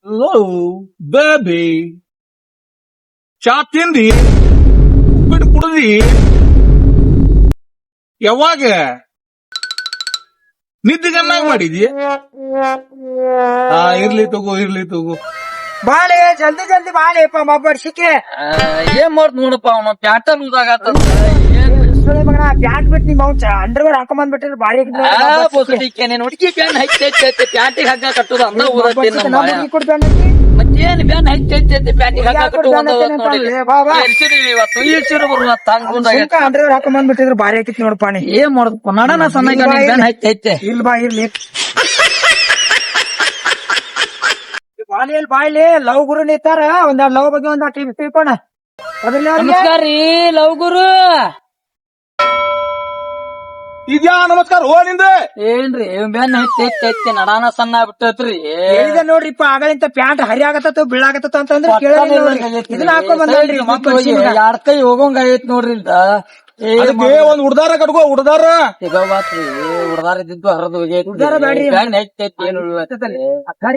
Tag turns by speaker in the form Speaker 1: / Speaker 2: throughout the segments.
Speaker 1: Low baby ಚಾ ತಿಂದಿ ಉಪ್ಪಿಟ್ಟು ಕುಡ್ದಿ ಯಾವಾಗ ನಿದ್ದೆ ಚೆನ್ನಾಗಿ ಮಾಡಿದಿ ಇರ್ಲಿ ತಗೋ
Speaker 2: ಬಾಳೆ ಜಲ್ದಿ ಜಲ್ದಿ ಬಾಳೆಪ್ಪ ಮಬ್ಬರ್ಸಿಕೆ
Speaker 3: ಏನ್ ಮಾಡ್ತ ನೋಡಪ್ಪ ಅವನ ಪ್ಯಾಟರ್ನ್ ಉದಾಗತ್ತ
Speaker 2: ಮಗನ ಪ್ಯಾಂಟ್ ಬಿಟ್ಟು ನಿಮ್ ಅವ್ನ್ ಅಂಡರ್ವೇರ್ ಹಾಕೊಂಡ್ ಬಿಟ್ಟಿದ್ರೆ ಬಾಳೆ
Speaker 3: ನೀನ್ ಹುಡುಗಿ ಬ್ಯಾನ್ ಹಚ್ಚೈತಿ ಪ್ಯಾಂಟಿಗೆ ಹಗ್ಗ ಕಟ್ಟುದು ಅಂತ ಓದತ್ತೀನಿ ಮತ್ತೇನ್ ಬ್ಯಾನ್ ಹಚ್ಚೈತಿ ಪ್ಯಾಂಟಿಗೆ ಹಗ್ಗ ಕಟ್ಟುದು ಇವತ್ತು ಇಳ್ಸಿರು ಬರುವ ತಂಗ
Speaker 2: ಅಂಡರ್ವೇರ್ ಹಾಕೊಂಡ್ ಬಿಟ್ಟಿದ್ರೆ ಬಾರಿ ಹಾಕಿತ್ ನೋಡಪ್ಪ ನೀ
Speaker 3: ಏನ್ ಮಾಡುದಪ್ಪ ನಡನ ಸಣ್ಣ ಬ್ಯಾನ್ ಹಚ್ಚೈತೆ
Speaker 2: ಇಲ್ ಬಾ ಇರ್ಲಿ ಬಾಲಿಯಲ್ಲಿ ಬಾಯ್ಲಿ ಲವ್ ಗುರು ನಿಂತಾರ ಒಂದೆರಡು ಲವ್ ಬಗ್ಗೆ ಒಂದ್ ಟಿವಿ ತಿಳ್ಕೋಣ ಅದ್ರಲ್ಲಿ
Speaker 3: ನಮಸ್ಕಾರ ರೀ ಲವ್ ಗುರು
Speaker 1: ಇದ್ಯಾ ನಮಸ್ಕಾರ ಹೋ ನಿಂದ
Speaker 3: ಏನ್ರಿ ಬ್ಯಾನ್ ಹಚ್ಚೈತಿ ನಡಾನ ಸಣ್ಣ ಬಿಟ್ಟತ್ರಿ
Speaker 2: ಹೇಳಿದೆ ನೋಡ್ರಿಪ್ಪ ಆಗಲಿಂತ ಪ್ಯಾಂಟ್ ಹರಿ ಆಗತ್ತ ಬೀಳಾಗತ್ತ ಅಂತಂದ್ರೆ ಇದನ್ನ ಹಾಕೊಂಡ್ ಬಂದ್ರಿ
Speaker 3: ಎರಡ್ ಕೈ ಹೋಗೋಂಗ ಆಗೈತ್ ನೋಡ್ರಿ
Speaker 1: ಒಂದ್ ಉಡ್ದಾರ ಕಟ್ಕೋ ಉಡ್ದಾರ
Speaker 3: ಈಗ ಬಾತ್ರಿ ಉಡ್ದಾರ ಇದ್ದಿದ್ದು ಹರಿದು
Speaker 2: ಉಡ್ದಾರ ಬ್ಯಾಡ್ರಿ.
Speaker 3: ಬ್ಯಾನ್ ಹಚ್ಚೈತಿ ಏನು
Speaker 2: ಅಕ್ಕಾರಿ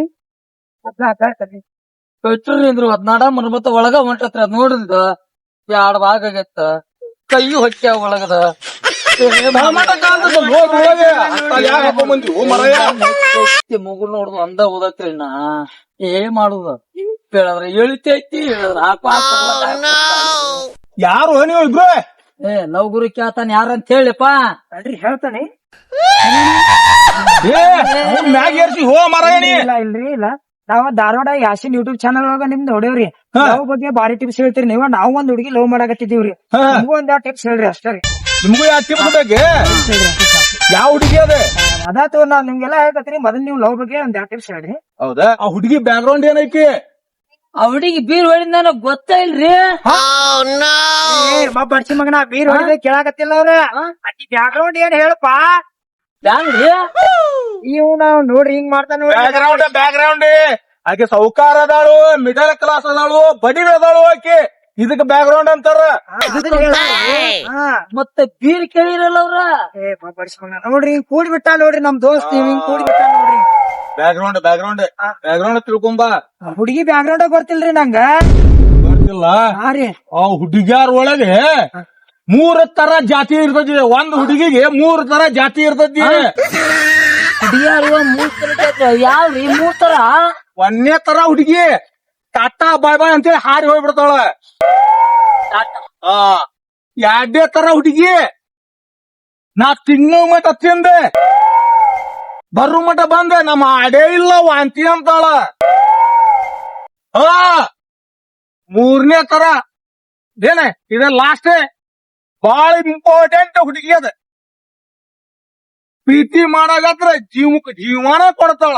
Speaker 3: ಕಟ್ಟುರಿಂದ್ರು ಹದ್ನಾಡ ಮತ್ತ ಒಳಗ ಹೊಂಟತ್ರಿ ಅದ್ ನೋಡಿದ ಎರಡ್ ಭಾಗ ಆಗತ್ತ ಕೈ ಹೊಟ್ಟೆ ಒಳಗದ ಮುಗುಳ್ ನೋಡುದು ಅಂದ ಓದತ್ರಿ ನಾ ಏನ್ ಮಾಡುದ ಹೇಳಿದ್ರ ಎಳಿತೈತಿ ಹೇಳಿದ್ರ
Speaker 1: ಯಾರು ನೀವು ಇಬ್ರು
Speaker 3: ಲವ್ ಗುರು ಕೇಳ್ತಾನ ಯಾರಂತ ಹೇಳಿಪ್ಪ
Speaker 2: ಅಲ್ರಿ ಹೇಳ್ತಾನೆ
Speaker 1: ಮ್ಯಾಗ ಏರ್ಸಿ ಹೋ ಮರಯಣಿ
Speaker 2: ಇಲ್ಲ ಇಲ್ರಿ ಇಲ್ಲ ನಾವ್ ಧಾರವಾಡ ಯಾಸಿನ್ ಯೂಟ್ಯೂಬ್ ಚಾನಲ್ ಒಳಗ ನಿಮ್ದು ಹೊಡೆಯವ್ರಿ ಲವ್ ಬಗ್ಗೆ ಬಾರಿ ಟಿಪ್ಸ್ ಹೇಳ್ತೀರಿ ನೀವ ನಾವ್ ಒಂದ್ ಹುಡುಗಿ ಲವ್ ಮಾಡಾಕತ್ತಿದೀವ್ರಿ ನಿಮ್ಗೂ ಒಂದ್ ಟಿಪ್ಸ್ ಹೇಳ್ರಿ ಅಷ್ಟೇ ರೀ
Speaker 1: ನಿಮ್ಗೂ ಯಾವ ಟಿಪ್ ಬೇಕು ಯಾವ ಹುಡುಗಿ ಅದೇ
Speaker 2: ಅದಾತು ನಾವ್ ನಿಮ್ಗೆಲ್ಲ ಹೇಳ್ಕತ್ರಿ ಮೊದಲ್ ನೀವು ಲವ್ ಬಗ್ಗೆ ಒಂದ್ ಟಿಪ್ಸ್ ಹೇಳ್ರಿ
Speaker 1: ಹೌದಾ ಆ ಹುಡುಗಿ ಬ್ಯಾಕ್ ಗ್ರೌಂಡ್ ಏನೈತಿ
Speaker 3: ಆ ಹುಡುಗಿ ಬೀರ್ ಹೊಡಿದ ನನಗ್ ಗೊತ್ತ ಇಲ್ರಿ
Speaker 2: ಬಡ್ಸಿ ಮಗನ ಬೀರ್ ಹೊಡಿದ ಕೇಳಾಕತ್ತಿಲ್ಲ ಅವ್ರ ಅಕ್ಕಿ ಬ್ಯಾಕ್ ಗ್ರೌಂಡ್ ಏನ್ ಹೇಳಪ್ಪ
Speaker 3: ಬ್ಯಾಂಗ್ರಿ
Speaker 2: ಇವ್ ನಾವ್ ನೋಡ್ರಿ ಹಿಂಗ್ ಮಾಡ್ತಾನ ನೋಡ್ರಿ
Speaker 1: ಬ್ಯಾಕ್ ಗ್ರೌಂಡ್ ಆಕೆ ಸೌಕಾರ ಅದಾಳು ಮಿಡಲ್ ಕ್ಲಾಸ್ ಅದಾಳು ಬಡಿ ಅದಾಳು ಆಕೆ ಇದಕ್ ಬ್ಯಾಕ್ ಗ್ರೌಂಡ್ ಅಂತಾರ
Speaker 3: ಮತ್ತೆ ಬೀರ್ ಕೇಳಿರಲ್ಲ ಅವ್ರ
Speaker 2: ಬಡ್ಸಿ ಮಗನ ನೋಡ್ರಿ ಹಿಂಗ್ ಕೂಡಿ ಬಿಟ್ಟ ನೋಡ್ರಿ ನಮ್ ದೋಸ್ತ್ ಹಿಂಗ್ ಕೂಡಿ ಬಿಟ್ಟ ನೋಡ್ರಿ
Speaker 1: ಬ್ಯಾಕ್ ಗ್ರೌಂಡ್ ತಿಳ್ಕೊಂಬ
Speaker 2: ಹುಡುಗಿ ಬ್ಯಾಕ್ ಗ್ರೌಂಡ್ ಗೊತ್ತಿಲ್ರಿ ನಂಗ
Speaker 1: ಗೊತ್ತಿಲ್ಲ
Speaker 2: ಹಾ ರೀ
Speaker 1: ಆ ಹುಡುಗಿಯಾರ ಒಳಗೆ 3 ತರ ಜಾತಿ ಇರ್ತತಿ ಒಂದ್ ಹುಡುಗಿಗೆ 3 ತರ ಜಾತಿ ಇರ್ತತಿ
Speaker 3: ಹುಡುಗಿಯಾರು 3 ತರ ಯಾವ್ರಿ 3 ತರ
Speaker 1: ಒಂದನೇ ತರ ಹುಡುಗಿ ಟಾಟಾ ಬಾಯ್ ಬಾಯ್ ಅಂತೇಳಿ ಹಾರಿ ಹೋಗ್ಬಿಡ್ತಾಳ ಎರಡನೇ ತರ ಹುಡುಗಿ ನಾ ತಿನ್ನೋ ಮಟ ತಿಂದೆ ಬರು ಮಟ ಬಂದೆ ನಮ್ಮ ಅಡೇ ಇಲ್ಲ ವಾಂತಿ ಅಂತಾಳ ಮೂರನೇ ತರ ಏನ ಇದ ಲಾಸ್ಟ್ ಬಾಳ ಇಂಪಾರ್ಟೆಂಟ್ ಹುಡುಗಿ ಅದ ಪ್ರೀತಿ ಮಾಡಾಗತ್ರ ಜೀವಕ್ಕೆ ಜೀವನ ಕೊಡ್ತಾಳ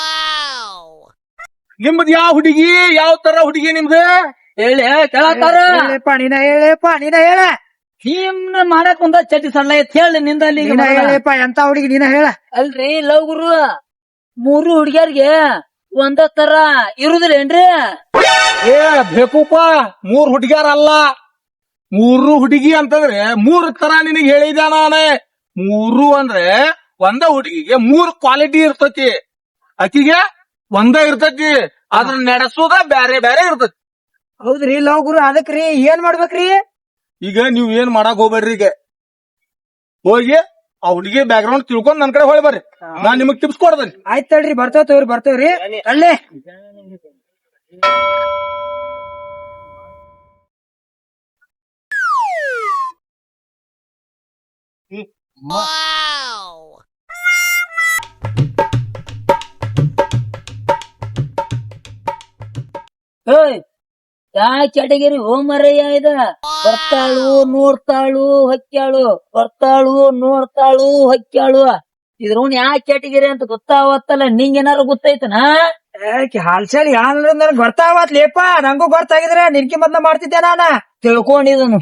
Speaker 1: ನಿಮ್ದು ಯಾವ ಹುಡುಗಿ ಯಾವ ತರ ಹುಡುಗಿ ನಿಮ್ದು
Speaker 3: ಹೇಳಿ ಕೇಳತ್ತಾರ
Speaker 2: ನೀನ ಹೇಳ
Speaker 3: ನಿಮ್ನ ಮಾಡಕ್ ಒಂದ ಚಟಿ ಸಣ್ಣ ಐತ್ ಹೇಳಿ ನಿಂದ ಅಲ್ಲಿ
Speaker 2: ಹೇಳಪ್ಪ ಎಂತ ಹುಡುಗಿ ನೀನ ಹೇಳ
Speaker 3: ಅಲ್ರಿ ಲವ್ ಗುರು 3 ಹುಡುಗಿಯರ್ಗೆ ಒಂದ ತರ ಇರುದಿಲ್ಲೇನ್ರಿ
Speaker 1: ಏ ಬೇಕೂಪ 3 ಹುಡುಗಿಯರ ಅಲ್ಲ 3 ಹುಡುಗಿ ಅಂತಂದ್ರೆ 3 ತರ ನಿನಗೆ ಹೇಳಿದ ನಾನೇ 3 ಅಂದ್ರೆ ಒಂದ ಹುಡುಗಿಗೆ 3 ಕ್ವಾಲಿಟಿ ಇರ್ತತಿ ಆಕಿಗೆ ಒಂದ ಇರ್ತತಿ ಅದನ್ನ ನಡೆಸೋದ ಬ್ಯಾರೆ ಬ್ಯಾರೆ ಇರ್ತತಿ
Speaker 2: ಹೌದ್ರಿ ಲವ್ ಗುರು ಅದಕ್ರಿ ಏನ್ ಮಾಡ್ಬೇಕ್ರಿ
Speaker 1: ಈಗ ನೀವ್ ಏನ್ ಮಾಡಕ್ ಹೋಗ್ಬೇಡ್ರಿ ಈಗ ಹೋಗಿ ಆ ಹುಡುಗಿ ಬ್ಯಾಕ್ ಗ್ರೌಂಡ್ ತಿಳ್ಕೊಂಡ್ ನನ್ ಕಡೆ ಹೊಳಿ ಬರ್ರಿ ನಾನ್ ನಿಮಗ್ ಟಿಪ್ಸ್ ಕೊಡ್ತೇನೆ
Speaker 2: ಆಯ್ತ್ ತಡ್ರಿ ಬರ್ತೇವ್ರಿ ಅಲ್ಲೇ
Speaker 3: ಯಾ ಕ್ಯಾಟಗರಿ ಹೋಮರಯ್ಯ ಇದ ಬರ್ತಾಳು ನೋಡ್ತಾಳು ಹೊಕ್ಕ್ಯಾಳು ಬರ್ತಾಳು ನೋಡ್ತಾಳು ಹೊಕ್ಕ್ಯಾಳು ಇದ್ರವ್ನ ಯಾ ಕ್ಯಾಟಗರಿ ಅಂತ ಗೊತ್ತಾವತ್ತಲ್ಲ ನಿಂಗ ಏನಾರು ಗೊತ್ತೈತನ
Speaker 2: ಹಾಲ್ಚಾಲ್ ಯಾನ್ ನನ್ಗ್ ಗೊತ್ತಾವತ್ ಲೇಪ ನಂಗೂ ಗೊತ್ತಾಗಿದ್ರೆ ನಿನ್ಕಿ ಮೊದ್ಲ ಮಾಡ್ತಿದ್ದೆ ನಾನ
Speaker 3: ತಿಳ್ಕೊಂಡಿದನು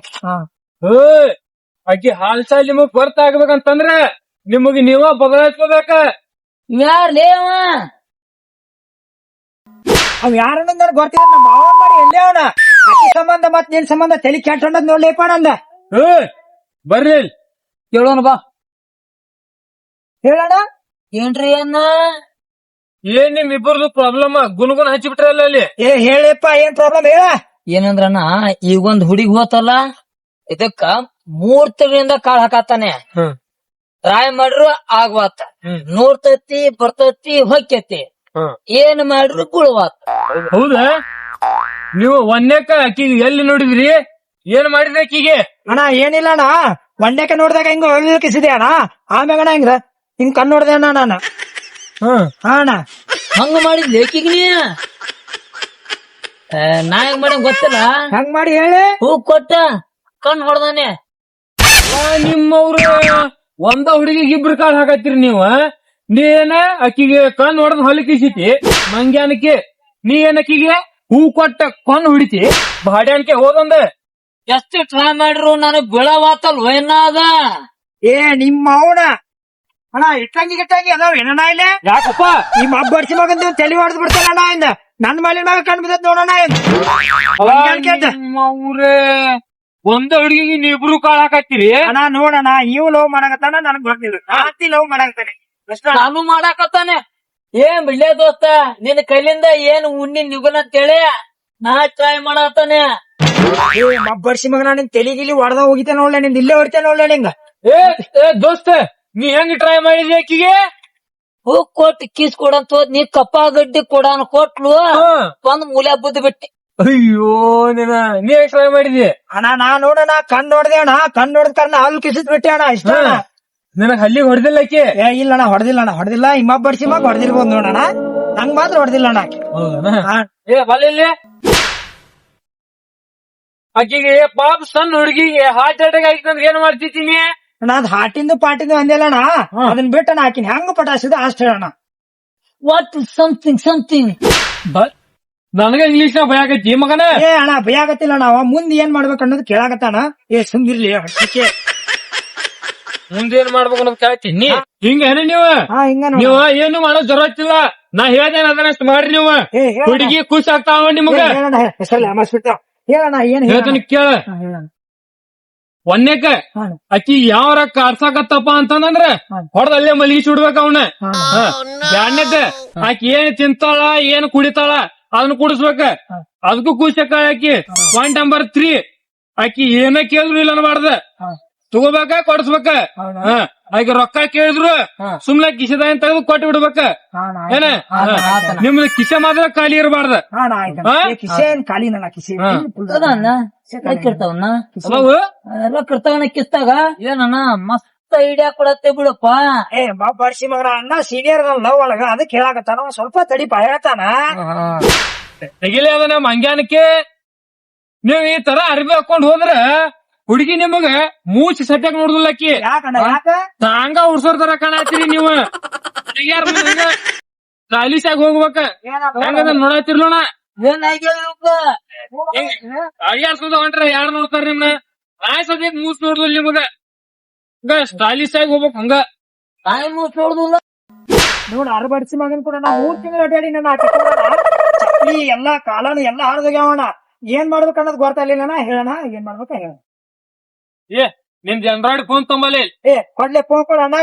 Speaker 1: ಆಕಿ ಹಾಲ್ಚಾಲ್ ನಿಮಗ್ ಗೊತ್ತಾಗ್ಬೇಕಂತಂದ್ರೆ ನಿಮಗ್ ನೀವ ಬದಲಾಯಿಸ್ಕೋಬೇಕ
Speaker 3: ಯಾರ್ ಲೇವ
Speaker 2: ಅವ್ ಯಾರನ್ನ ನನ್ಗ್ ಗೊತ್ತಿಲ್ಲ ನಮ್ಮ ಮಾವ ಮಾಡಿ ಎಲ್ಲೇ ಅವನ ಅಕ್ಕಿ ಸಂಬಂಧ ಮತ್ ನಿನ್ ಸಂಬಂಧ ತಲೆ ಕೆಟ್ಟೊಂಡದ್ ನೋಡ್ಲೇಪ ನಂದ
Speaker 1: ಬರ್ರಿ
Speaker 3: ಕೇಳೋಣ ಬಾ
Speaker 2: ಹೇಳೋಣ
Speaker 3: ಏನ್ರಿ ಅನ್ನ
Speaker 1: ಏನ್ ನಿಮ್ ಇಬ್ಬರದು ಪ್ರಾಬ್ಲಮ್ ಗುನ್ಗುನ್ ಹಚ್ಚಿಬಿಟ್ರಲ್ಲ ಅಲ್ಲಿ.
Speaker 2: ಹೇಳಪ್ಪ ಏನ್ ಪ್ರಾಬ್ಲಮ್ ಹೇಳ.
Speaker 3: ಏನಂದ್ರಣ್ಣ ಈಗೊಂದ್ ಹುಡುಗಿ ಹೋತಲ್ಲ ಇದಕ್ಕ 3 ತಿಂಗಳಿಂದ ಕಾಳ್ ಹಾಕತ್ತಾನೆ. ಟ್ರೈ ಮಾಡ್ರು ಆಗ್ವಾತ, ನೋಡ್ತತಿ ಬರ್ತತಿ ಹೊಕ್ಕತಿ, ಏನ್ ಮಾಡ್ರು ಗುಳವಾತ.
Speaker 1: ಹೌದಾ? ನೀವು ಒಂದೇಕ ಆಕಿಗೆ ಎಲ್ಲಿ ನೋಡಿದ್ರಿ? ಏನ್ ಮಾಡಿದ್ರಿ ಆಕಿಗೆ?
Speaker 2: ಅಣ್ಣ ಏನಿಲ್ಲ ಅಣ್ಣ, ಒಂದೇಕ ನೋಡ್ದಾಗ ಹಿಂಗ ಕಿಸಿದೆ ಅಣ್ಣ. ಆಮ್ಯಾಗ ಅಣ್ಣ ಹಿಂಗ್ ಕಣ್ ನೋಡ್ದೆ ಅಣ್ಣ ನಾನು. ಹಾ ಅಣ್ಣ.
Speaker 3: ಹಂಗ ಮಾಡಿದ್ ಲೇಕಿಗ್ ನೀ ನಾ ಹೆಂಗ್ ಮಾಡ ಗೊತ್ತಿಲ್ಲ.
Speaker 2: ಹಂಗ್ ಮಾಡಿ ಹೇಳಿ.
Speaker 3: ಹೂ ಕೊಟ್ಟ ಕಣ್ ಹೊಡ್ದಾನೆ.
Speaker 1: ನಿಮ್ಮವ್ರು ಒಂದ ಹುಡುಗಿಗೆ ಇಬ್ರು ಕಾಳ್ ಹಾಕತ್ತೀರಿ ನೀವು. ನೀ ಏನ ಅಕ್ಕಿಗೆ ಕಣ್ ಹೊಡೆದ್ ಹೊಲಕಿಸಿತಿ ಮಂಗ್ಯಾನಕ್ಕೆ, ನೀ ಏನ್ ಅಕ್ಕಿಗೆ ಹೂ ಕೊಟ್ಟ ಕಣ್ ಹೊಡಿತಿ ಬಾಡ್ಯಾನಕ್ಕೆ ಹೋದಂದ.
Speaker 3: ಎಷ್ಟು ಟ್ರೈ ಮಾಡ್ರು ನನಗ್ ಬೀಳವಾತಲ್ವ ಏನಾದ.
Speaker 2: ನಿಮ್ಮ ಅವನ ಅಣ್ಣ ಇಟ್ಟಂಗಿ ಅದಾವ ಏನಣ್ಣ ಇಲ್ಲಿ.
Speaker 1: ಯಾಕಪ್ಪ
Speaker 2: ನಿಮ್ಮ ಹಬ್ಬರ್ಸಿ ಮಗಂದ ತಲೆ ಹೊಡೆದ್ ಬಿಡ್ತಾನ ಅಣ್ಣ. ಇಂದ ನನ್ ಮೇಲೆ ಮ್ಯಾಗ ಕಣ್ ಬಿದ್ದತ್ ನೋಡೋಣ.
Speaker 1: ಅವ್ರೇ ಒಂದ ಹುಡುಗಿಗೆ ನೀವಿಬ್ರು ಕಾಳ್ ಹಾಕತ್ತೀರಿ.
Speaker 2: ಅಣ್ಣ ನೋಡಣ, ಇವ್ ಲವ್ ಮಾಡಕತ್ತಾನ ನನಗ್ ಗೊತ್ತಿಲ್ಲ. ಆತಿ ಲವ್ ಮಾಡಕತ್ತಾನೆ
Speaker 3: ನಾನು ಮಾಡಾಕತ್ತಾನೆ. ಏನ್ ಬಿಡ್ಲೇ ದೋಸ್ತ, ನಿನ್ ಕೈಲಿಂದ ಏನ್ ಉಣ್ಣಿ ನಿಗುಲ್ ಅಂತೇಳಿ ನಾ ಟ್ರೈ ಮಾಡತ್ತಾನೆ.
Speaker 2: ಹಬ್ಬರ್ಸಿ ಮಗನ ನಿನ್ ತಲೆಗಿಲಿ ಹೊಡೆದ ಹೋಗಿತೆ ನೋಡ್ಲೆ, ನಿಂದ ಇಲ್ಲೇ ಹೊಡಿತೆ ನೋಡ್ಲೆ ನಿಂಗ.
Speaker 1: ಏ ದೋಸ್ತ, ನೀ ಹೆಂಗ್ ಟ್ರೈ ಮಾಡಿದ್ರಿ ಆಕಿಗೆ?
Speaker 3: ಹೂ ಕೊಟ್ಟು ಕಿಸ್ ಕೊಡಂತ ಹೋದ್, ನೀ ಕಪ್ಪ ಗಡ್ಡಿ ಕೊಡಾನ ಕೊಟ್ಲು ಒಂದ್ ಮೂಲೆ ಬುದ್ಧಿ ಬಿಟ್ಟಿ.
Speaker 1: ಅಯ್ಯೋ ನೀ ಹೆಂಗ್ ಟ್ರೈ ಮಾಡಿದಿ?
Speaker 2: ಅಣ್ಣ ನಾ ನೋಡಣ ಕಣ್ ನೋಡ್ದೆ ಅಣ್ಣ, ಕಣ್ ನೋಡಿದ ಕಾರಣ ಅಲ್ಲಿ ಕಿಸಿದ್ ಬಿಟ್ಟೆ ಅಣ್ಣ. ಇಷ್ಟ ಅಣ್ಣ.
Speaker 1: ನನಗ್ ಹಲ್ಲಿಗೆ ಹೊಡೆದಿಲ್ಲ ಆಕಿ?
Speaker 2: ಇಲ್ಲ ಅಣ್ಣ, ಹೊಡೆದಿಲ್ಲ. ಹಿಮ್ಮಬ್ಬರ್ಸಿ ಮಗ ಹೊಡೆದಿರ್ಬೋದು ನೋಡಣ, ನಂಗ್ ಮಾತ್ರ ಹೊಡೆದಿಲ್ಲ ಅಣ್ಣ.
Speaker 1: ಏ ಬಲ್ಲಿ ಆಕಿಗೆ ಪಾಪ ಸಣ್ಣ ಹುಡುಗಿಗೆ ಹಾರ್ಟ್ ಅಟ್ಯಾಕ್ ಆಗಿತ್ತಂದ್ರೆ ಏನ್ ಮಾಡ್ತಿದ್ದೀನಿ?
Speaker 2: ನಾನ್ ಹಾಟಿಂದು ಪಾಟಿಂದು ಅಂದಿಲ್ಲ ಅಣ್ಣ, ಅದನ್ನ ಬಿಟ್ಟು ನಾ ಹಾಕಿನಿ ಹೆಂಗ ಪಟಾಸಿದ ಅಷ್ಟ ಹೇಳಣ.
Speaker 3: ವಾಟ್ ಸಮಥಿಂಗ್
Speaker 1: ನನಗ ಇಂಗ್ಲಿಷ್ ನ ಭಯ ಆಗೈತಿ ಮಗನ.
Speaker 2: ಅಣ್ಣ ಭಯ ಆಗತ್ತಿಲ್ಲ, ನಾವ ಮುಂದ್ ಏನ್ ಮಾಡ್ಬೇಕು ಅನ್ನೋದು ಕೇಳಾಕತ್ತಾನ. ಸುಮ್ಗಿರ್ಲಿ ಹಟ್ಟಿಕೆ.
Speaker 1: ಮುಂದೇನ್ ಮಾಡ್ಬೇಕು ಅನ್ನೋದು ಕೇಳ್ತೀನಿ. ಹಿಂಗೇನ ನೀವು ಏನು ಮಾಡೋ ಜರತ್ತಿಲ್ಲ. ನಾ ಹೇಳ್ದೇನ ಅದನ್ನಷ್ಟು ಮಾಡ್ರಿ ನೀವು. ಹುಡುಗಿ ಖುಷಿ ಆಗ್ತಾವ ನಿಮಗ.
Speaker 2: ಹೇಳಣ ಏನ್
Speaker 1: ಹೇಳ್ತೀನಿ ಕೇಳ. ಒಂದೇಕ ಅಕ್ಕಿ ಯಾವರ ಕಾರ್ಸಾಕತ್ತಪ್ಪ ಅಂತಂದ್ರ ಹೊಡೆದ ಅಲ್ಲೇ ಮಲಗಿಸಿ ಬಿಡ್ಬೇಕ ಅವನ. ಎರಡನೇದ ಆಕಿ ಏನ್ ತಿಂತಾಳ ಏನ್ ಕುಡಿತಾಳ ಅದನ್ನ ಕುಡಿಸ್ಬೇಕ, ಅದಕ್ಕೂ ಖುಷಿ ಆಕಿ. ಪಾಯಿಂಟ್ ನಂಬರ್ 3, ಆಕಿ ಏನ ಕೇಳಿದ್ರು ಇಲ್ಲ ಅನ್ಬಾರ್ದ, ತಗೋಬೇಕ ಕೊಡಿಸ್ಬೇಕ. ಆಗ ರೊಕ್ಕ ಕೇಳಿದ್ರು ಸುಮ್ನೆ ಕಿಸೆದ ಅಂತ ತೆಗೆದು ಕೊಟ್ಟು ಬಿಡ್ಬೇಕ. ಏನ ನಿಮ್ದು ಕಿಸೆ ಮಾತ್ರ ಖಾಲಿ ಇರಬಾರ್ದ.
Speaker 3: ರೊಕ್ಕಿರ್ತಾವನ ಕಿಸ್ತಾಗ ಏನಣ್ಣ ಮಸ್ತ್ ಐಡಿಯಾ ಕೊಡತ್ತೆ ಬಿಡಪ್ಪ.
Speaker 2: ಬರ್ಸಿ ಮಗನ ಅಣ್ಣ ಸೀನಿಯರ್ ಲವ್ ಒಳಗ ಅದಕ್ಕೆ ಹೇಳಾಕತ್ತಾನ, ಸ್ವಲ್ಪ ತಡಿಪ ಹೇಳ್ತಾನ.
Speaker 1: ತೆಗಿಲೇ ಅದ ನಮ್ ಮಂಗ್ಯಾನಕ್ಕೆ. ನೀವ್ ಈ ತರ ಅರ್ಬಿ ಹಾಕೊಂಡ್ ಹೋದ್ರ ಹುಡುಗಿ ನಿಮಗ ಮೂಚಿ ಸಟ್ಯಾಕ್ ನೋಡುದಿಲ್ಲ ಅಕ್ಕಿ. ತಾಂಗ ಉಡ್ಸೋರ್ ತರ ಕಾಣತ್ತೀರಿ ನೀವು. ಹುಡುಗಿಯಾರ ಸ್ಟೈಲಿಶ್ ಆಗಿ ಹೋಗ್ಬೇಕ. ಹೆಂಗದ ನೋಡತ್ತಿರ್ಲೋಣ. ಅಡಿಯಾಡ್ಸೋದ ಹೊಂಟ್ರ ಯಾರು ನೋಡ್ತಾರ ನಿಮ್ನ? ನಾಯಿ ಸದ್ಯಕ್ ಮೂಸ್ ನೋಡುದಿಲ್ಲ ನಿಮಗ. ಹಂಗ ಸ್ಟೈಲಿಶ್ ಆಗಿ ಹೋಗ್ಬೇಕ. ಹಂಗ
Speaker 3: ನಾಯಿ ಮೂಸ್ ನೋಡುದಿಲ್ಲ
Speaker 2: ನೋಡ್. ಅರ್ಬಡ್ಸಿ ಮಗನ್ ಕೂಡ ನಾ 3 ತಿಂಗಳು ಅಡ್ಯಾಡಿ ನನ್ನ ಚಪ್ಪಲಿ ಎಲ್ಲಾ ಕಾಲನು ಎಲ್ಲಾ ಹಾರ್ದೋಗ್ಯಾವಣ. ಏನ್ ಮಾಡ್ಬೇಕ ಅನ್ನೋದು ಗೊತ್ತಾಗ್ಲಿಲ್ಲ. ಹೇಳಣ ಏನ್ ಮಾಡ್ಬೇಕ ಹೇಳ.
Speaker 1: ನಿಮ್ದು ಆಂಡ್ರಾಯ್ಡ್ ಫೋನ್ ತೊಂಬಲ್ಲಿ.
Speaker 2: ಕೊಡ್ಲೆ ಫೋನ್ ಕೊಡ ಅಣ್ಣಾಗ.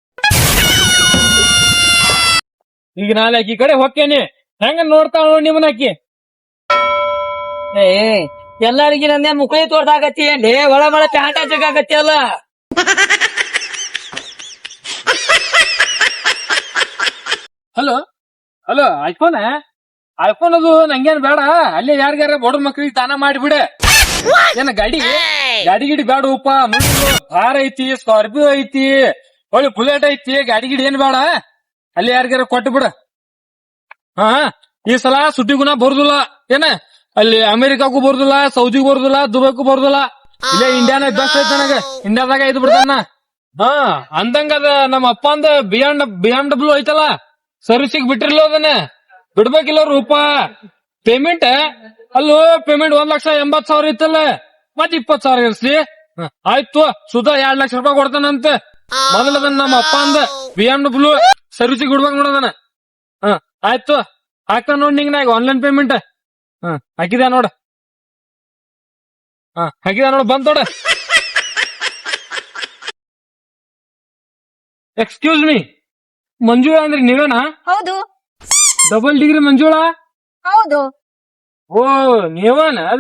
Speaker 1: ಈಗ ನಾಳೆ ಆಕಿ ಕಡೆ ಹೊಕ್ಕೇನಿ. ಹೆಂಗ ನೋಡ್ತಾಳ ನಿಮ್ಮನ್ನ ಆಕಿ.
Speaker 3: ಎಲ್ಲರಿಗಿ ನಂದೇ ಮುಕ್ಳಿ ತೋರ್ಸಾಕತ್ತಿ ಏನ್ಲಿ? ಒಳ ಪ್ಯಾಂಟ ಜಗಾಕತ್ತಿ ಅಲ್ಲ.
Speaker 1: ಹಲೋ ಐಫೋನ್ ಅದು ನಂಗೇನ್ ಬೇಡ. ಅಲ್ಲಿ ಯಾರಿಗಾರ ಬಡ ಮಕ್ಳಿಗೆ ದಾನ ಮಾಡಿಬಿಡ. ಏನ ಗಾಡಿ ಗಿಡಿ ಬೇಡ ಉಪ್ಪ. ಕಾರ್ ಐತಿ, ಸ್ಕಾರ್ಪಿಯೋ ಐತಿ, ಒಳ್ಳೆ ಬುಲೆಟ್ ಐತಿ. ಗಾಡಿ ಗಿಡಿ ಏನ್ ಬೇಡ. ಅಲ್ಲಿ ಯಾರಿಗಾರ ಕೊಟ್ಟು ಬಿಡ. ಈ ಸಲ ಸುದ್ದಿಗುಣ ಬರುದಿಲ್ಲ. ಏನ ಅಲ್ಲಿ ಅಮೆರಿಕಾಗೂ ಬರುದಿಲ್ಲ, ಸೌದಿಗೂ ಬರುದಿಲ್ಲ, ದುಬೈಗೂ ಬರುದಿಲ್ಲ. ಇಲ್ಲೇ ಇಂಡಿಯಾನ ಬೆಸ್ಟ್ ಐತಿ ನನಗ. ಇಂಡಿಯಾದಾಗ ಐದು ಬಿಡ್ತಾನ. ಅಂದಂಗದ ನಮ್ಮ ಅಪ್ಪ ಅಂದ BM ಐತಲ್ಲ, ಸರ್ವಿಸಿಗೆ ಬಿಟ್ಟಿರ್ಲ ಅದನ್ನ ಬಿಡ್ಬೇಕಿಲ್ಲ ರೂಪ. ಪೇಮೆಂಟ್ ಅಲ್ಲೋ ಪೇಮೆಂಟ್ 1,80,000 ಇತ್ತಲ್ಲ, ಮತ್ 20,000 ಇರ್ಸ್ಲಿ. ಆಯ್ತು ಸುಧಾ 2 ಲಕ್ಷ ರೂಪಾಯಿ ಕೊಡ್ತಾನಂತ. ಮೊದಲದನ್ನ ನಮ್ಮ ಅಪ್ಪ ಅಂದ BMW ಸರ್ವಿಸಿಗೆ ಬಿಡ್ಬೇಕು ನೋಡದನ. ಆಯ್ತು ಹಾಕ್ತಾನ ನೋಡ್. ನಿಂಗ ನಾ ಈಗ ಆನ್ಲೈನ್ ಪೇಮೆಂಟ್ ಹಾಕಿದ ನೋಡ. ಹಾಕಿದ ನೋಡ, ಬಂದ್ ನೋಡ. ಎಕ್ಸ್ಕ್ಯೂಸ್ ಮೀ, ಮಂಜು ಅಂದ್ರೆ ನೀವೇನಾ?
Speaker 4: ಹೌದು. ಡಬಲ್ ಡಿಗ್ರಿ ಮಂಜುಳಾ
Speaker 5: ಹೌದು.
Speaker 4: ಓ ನೀವನ ಅದ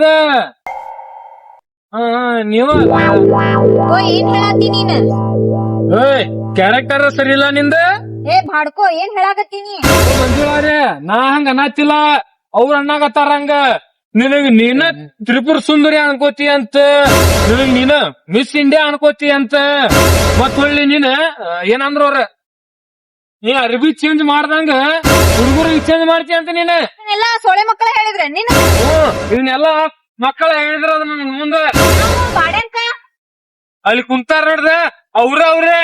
Speaker 4: ನೀವ
Speaker 5: ಓ ಏನ್ ಹೇಳಾತಿ ನೀನ್?
Speaker 4: ಕ್ಯಾರೆಕ್ಟರ್ ಸರಿ ಇಲ್ಲ ನಿಂದ
Speaker 5: ಏ ಬಾಡ್ಕೋ ಏನ್ ಹೇಳಾಕತ್ತೀನಿ?
Speaker 4: ಮಂಜುಳಾರೇ ನಾ ಹಂಗ ಅನ್ನತ್ತಿಲ್ಲ ಅವ್ರ ಅಣ್ಣಾಗತ್ತಾರ ಹಂಗ ನಿನಗ್ ನೀನ ತ್ರಿಪುರ ಸುಂದರಿ ಅನ್ಕೋತಿ ಅಂತ ನಿನಗ್ ನೀನ ಮಿಸ್ ಇಂಡಿಯಾ ಅನ್ಕೋತಿ ಅಂತ ಮತ್ ಹೊಳ್ಳಿ ನೀನ್ ಏನಂದ್ರ ಅವ್ರ ನೀ ಅರ್ಬಿ ಚೇಂಜ್ ಮಾಡ್ದಂಗ ಹುಡುಗರಿಗೆ ಚೇಂಜ್ ಮಾಡ್ತಿ ಅಂತ ನೀನ್
Speaker 5: ಎಲ್ಲಾ ಸೊಳೆ ಮಕ್ಕಳ ಹೇಳಿದ್ರೆ ನೀನ್
Speaker 4: ಇವನ್ನೆಲ್ಲಾ ಮಕ್ಕಳ ಹೇಳಿದ್ರ ಅದ ನನ್ ಮುಂದ
Speaker 5: ಬಾಡ್ಯಾನ್ಕ
Speaker 4: ಅಲ್ಲಿ ಕುಂತಾರ ನೋಡ್ದ ಅವ್ರೇ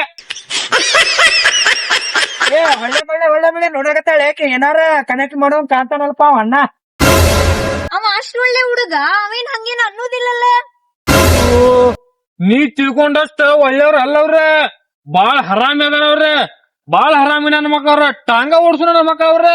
Speaker 2: ಏ ಒಳ್ಳೆ ಬೆಳೆ ನೋಡಕತ್ತಾಳೆ ಏನಾರ ಕನೆಕ್ಟ್ ಮಾಡೋ ಕಾಣ್ತಾನಲ್ಪ ಅವ ಅಣ್ಣ.
Speaker 5: ಅವ ಅಷ್ಟ್ ಒಳ್ಳೆ ಹುಡುಗ, ಅವೇನ್ ಹಂಗೇನ್ ಅನ್ನೋದಿಲ್ಲಲ್ಲ.
Speaker 4: ನೀ ತಿಳ್ಕೊಂಡಷ್ಟ ಒಳ್ಳೆಯವ್ರ ಅಲ್ಲವ್ರ ಬಾಳ ಹರಾಮಿ ಅದಾರ ಬಾಳ ಹರಾಮಿ ನನ್ನ ಮಕ್ಕ ಅವ್ರ ಟಾಂಗ ಓಡ್ಸು ನನ್ನ ಮಕ್ಕ ಅವ್ರೆ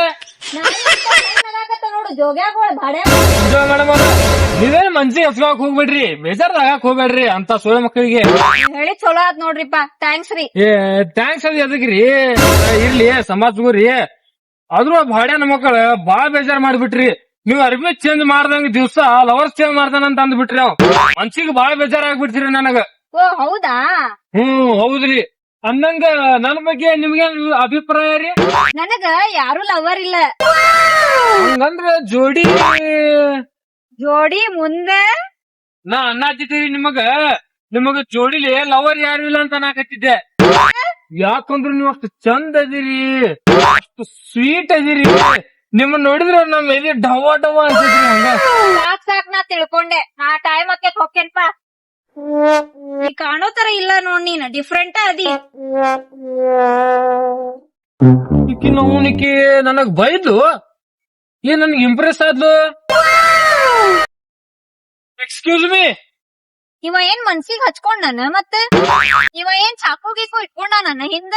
Speaker 5: ನೋಡು ಜೋಗ್ಯಾಗೋಳ ಬಾಡ್ಯಾ
Speaker 4: ಮೇಡಮ್ ಅವ್ರ ನೀವೇನ್ ಮನ್ಸಿಗೆ ಹಸ್ಗಾಕ್ ಹೋಗ್ಬೇಡ್ರಿ ಬೇಜಾರ್ದಾಗಕ್ ಹೋಗ್ಬೇಡ್ರಿ ಅಂತ ಸೋಳೆ ಮಕ್ಕಳಿಗೆ
Speaker 5: ಹೇಳಿ ಚಲೋ ಆತ್ ನೋಡ್ರಿಪ್ಪ, ಥ್ಯಾಂಕ್ಸ್ ರೀ.
Speaker 4: ಏ ಥ್ಯಾಂಕ್ಸ್ ಅದ್ ಎದಕ್ರಿ ಇರ್ಲಿ ಸಮಾಜಗುರಿ ಆದ್ರೂ ಭಾಡ್ಯ ನಮ್ಮ ಮಕ್ಕಳ ಬಾಳ ಬೇಜಾರ್ ಮಾಡ್ಬಿಟ್ರಿ ನೀವ್ ಅರ್ಬಿ ಚೇಂಜ್ ಮಾಡ್ದಂಗ ದಿವ್ಸ ಲವರ್ಸ್ ಚೇಂಜ್ ಮಾಡ್ತಾನಂತ ಅಂದ್ಬಿಟ್ರಿ ಅವ್ ಮನ್ಸಿಗೆ ಬಾಳ ಬೇಜಾರ್ ಆಗ್ಬಿಡ್ತೀರಿ ನನಗ.
Speaker 5: ಓ ಹೌದಾ?
Speaker 4: ಹೌದ್ರಿ ಅಂದಂಗ ನನ್ ಬಗ್ಗೆ ನಿಮ್ಗೆ ಅಭಿಪ್ರಾಯ ರೀ?
Speaker 5: ನನಗ ಯಾರು ಲವರ್ ಇಲ್ಲ.
Speaker 4: ಹಂಗಂದ್ರ ಜೋಡಿ
Speaker 5: ಜೋಡಿ ಮುಂದೆ
Speaker 4: ನಾ ಅನ್ನಾತಿದ್ದೀರಿ ನಿಮಗ ಜೋಡಿಲಿ ಲವರ್ ಯಾರು ಇಲ್ಲ ಅಂತ ನಾಕತ್ತಿದ್ದೆ. ಯಾಕಂದ್ರ ನೀವ್ ಅಷ್ಟು ಚಂದ ಅದಿರಿ ಅಷ್ಟು ಸ್ವೀಟ್ ಅದಿರಿ ನಿಮ್ಮನ್ನ ನೋಡಿದ್ರ ನಮ್ ಎಲ್ಲಿ ಡವ ಡವ ಅನ್ಸಿದ್ರಿ ಹಂಗ.
Speaker 5: ಸಾಕ್ ನಾ ತಿಳ್ಕೊಂಡೆ. ನಾ ಟೈಮ್ ಹಾಕಿ ಹೋಗ್ತೇನ್ಪ. ನೀ ಕಾಣೋ ತರ ಇಲ್ಲ ನೋಡ್, ನೀನ್ ಡಿಫ್ರೆಂಟ್ ಅದಿ.
Speaker 4: ಈಕಿ ನವ್ನಿಕಿ ನನಗ್ ಬೈದ್ಲು ಏನ್ ನನ್ಗೆ ಇಂಪ್ರೆಸ್ ಆದ್ಲು. ಎಕ್ಸ್ಕ್ಯೂಸ್ ಮೀ,
Speaker 5: ಇವ ಏನ್ ಮನ್ಸಿಗೆ ಹಚ್ಕೊಂಡನ ಮತ್ತೆ? ಇವ ಏನ್ ಚಾಕು ಗೀಕು ಇಟ್ಕೊಂಡ ನನ್ನ ಹಿಂದ?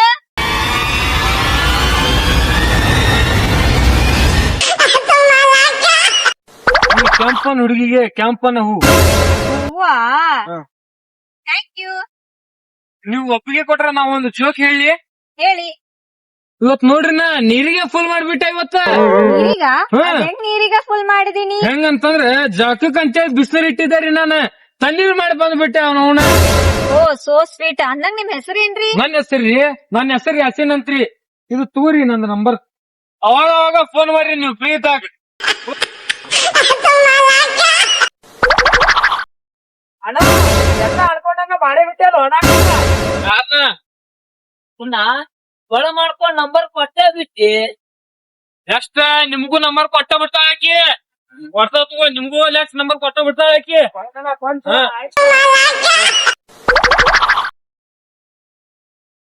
Speaker 4: ಕೆಂಪನ್ ಹುಡುಗಿಗೆ ಕೆಂಪನ ಹೂ.
Speaker 5: ಹೂವಾ? Thank you.
Speaker 4: ನೀವು ಒಪ್ಪಿಗೆ ಕೊಟ್ರ ನಾವೊಂದು ಜೋಕ್ ಹೇಳಿ.
Speaker 5: ಹೇಳಿ.
Speaker 4: ಇವತ್ ನೋಡ್ರಿ ನಾ ನೀರಿಗೆ ಫುಲ್ ಮಾಡ್ಬಿಟ್ಟೆ ಇವತ್ತ.
Speaker 5: ನೀರೀಗ
Speaker 4: ಹಾ.
Speaker 5: ಅದೇನ್ ನೀರೀಗ ಫುಲ್ ಮಾಡಿದೀನಿ?
Speaker 4: ಹೆಂಗಂತಂದ್ರ ಜಾಕಕ್ ಅಂತೇಳಿ ಬಿಸಿನೀರ್ ಇಟ್ಟಿದ್ದಾರಿ ನಾನು ತಣ್ಣೀರ್ ಮಾಡಿ ಬಂದ್ಬಿಟ್ಟೆ ಅವನ.
Speaker 5: Oh so sweet. ಅಂದಂಗ ನಿಮ್ ಹೆಸರೇನ್ರಿ?
Speaker 4: ನನ್ನ ಹೆಸರು ಯಾಸಿನ್ ಅಂತ್ರಿ. ಇದು ತೂರಿ ನಂದು ನಂಬರ್. ಅವಾಗ ಫೋನ್ ಮಾಡ್ರಿ ನೀವು ಫ್ರೀ ಇದ್ದಾಗ.
Speaker 2: ಅಣ್ಣ ಎಲ್ಲ ಅನ್ಕೊಂಡಂಗ ಮಾಡೇ ಬಿಟ್ಟಲ್ಲ ಅಣ್ಣ.
Speaker 3: ಪುನಃ ಒಳ ಮಾಡ್ಕೊಂಡ್ ನಂಬರ್ ಕೊಟ್ಟೆ ಬಿಟ್ಟಿ.
Speaker 4: ಎಷ್ಟ ನಿಮ್ಗೂ ನಂಬರ್ ಕೊಟ್ಟ ಬಿಡ್ತಾಳ ಆಕಿ. ಕೊಡ್ತಾ ತಗೋ ನಿಮ್ಗೂ ನಂಬರ್ ಕೊಟ್ಟ ಬಿಡ್ತಾಳ ಆಕಿ.
Speaker 2: ಕೊಂಚ ಆಯ್ತು.